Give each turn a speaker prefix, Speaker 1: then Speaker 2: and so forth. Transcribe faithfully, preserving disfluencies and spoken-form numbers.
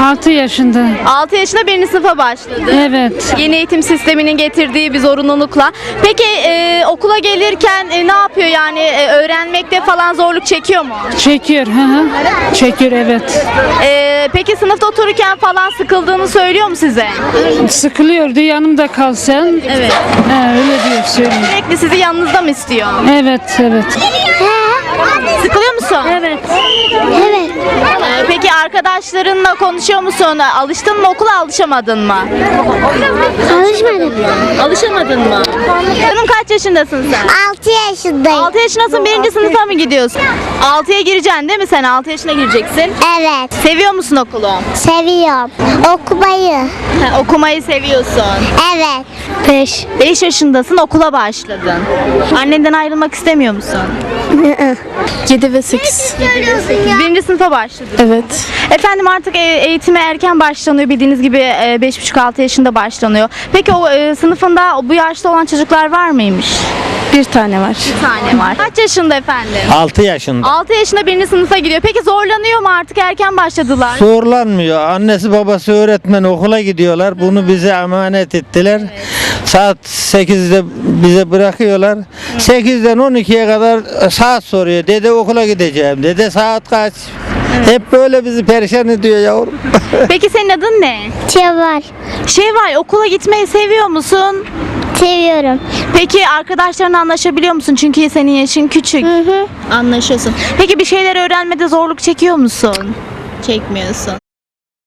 Speaker 1: altı yaşında.
Speaker 2: altı yaşında birinci sınıfa başladı.
Speaker 1: Evet.
Speaker 2: Yeni eğitim sisteminin getirdiği bir zorunlulukla. Peki e, okula gelirken e, ne yapıyor yani E, öğrenmekte falan zorluk çekiyor mu?
Speaker 1: Çekiyor. Hı hı. Çekiyor evet.
Speaker 2: E, peki sınıfta otururken falan sıkıldığını söylüyor mu size?
Speaker 1: Sıkılıyordu yanımda kal sen.
Speaker 2: Evet.
Speaker 1: He, öyle diyor söylüyor.
Speaker 2: Sürekli sizi yanınızda mı istiyor?
Speaker 1: Evet evet.
Speaker 2: Sıkılıyor musun?
Speaker 1: Evet.
Speaker 3: Evet.
Speaker 2: E, peki arkadaşlarınla konuşuyor musun? Alıştın mı okula, alışamadın mı?
Speaker 3: Alışmadım.
Speaker 2: Alışamadın mı? Canım kaç yaşındasın sen?
Speaker 3: altı yaşındayım.
Speaker 2: altı yaşındasın, birinci sınıfa mı gidiyorsun? altıya gireceksin değil mi sen? altı yaşına gireceksin.
Speaker 3: Evet.
Speaker 2: Seviyor musun okulu?
Speaker 3: Seviyorum. Okumayı.
Speaker 2: Ha, okumayı seviyorsun.
Speaker 3: Evet. beş.
Speaker 2: beş yaşındasın, okula başladın. Annenden ayrılmak istemiyor musun?
Speaker 4: yedi ve sekiz.
Speaker 2: Birinci sınıfa başladın.
Speaker 4: Evet.
Speaker 2: Efendim artık e, eğitime erken başlanıyor. Bildiğiniz gibi e, beş buçuk altı yaşında başlanıyor. Peki o e, sınıfında bu yaşta olan çocuklar var mıymış?
Speaker 4: Bir tane var.
Speaker 2: Bir tane var. Kaç yaşında efendim?
Speaker 5: altı yaşında.
Speaker 2: altı yaşında birinci sınıfa gidiyor. Peki zorlanıyor mu artık, erken başladılar?
Speaker 5: Zorlanmıyor. Annesi babası öğretmen, okula gidiyorlar. Bunu bize emanet ettiler. Saat sekizde bize bırakıyorlar. sekizden on ikiye kadar saat soruyor. Dede okula gideceğim. Dede saat kaç? Hep böyle bizi perişan ediyor yavrum.
Speaker 2: Peki senin adın ne?
Speaker 3: Çavar.
Speaker 2: Şevval, okula gitmeyi seviyor musun?
Speaker 3: Seviyorum.
Speaker 2: Peki arkadaşlarınla anlaşabiliyor musun? Çünkü senin yaşın küçük.
Speaker 3: Hı hı.
Speaker 2: Anlaşıyorsun. Peki bir şeyler öğrenmede zorluk çekiyor musun? Çekmiyorsun.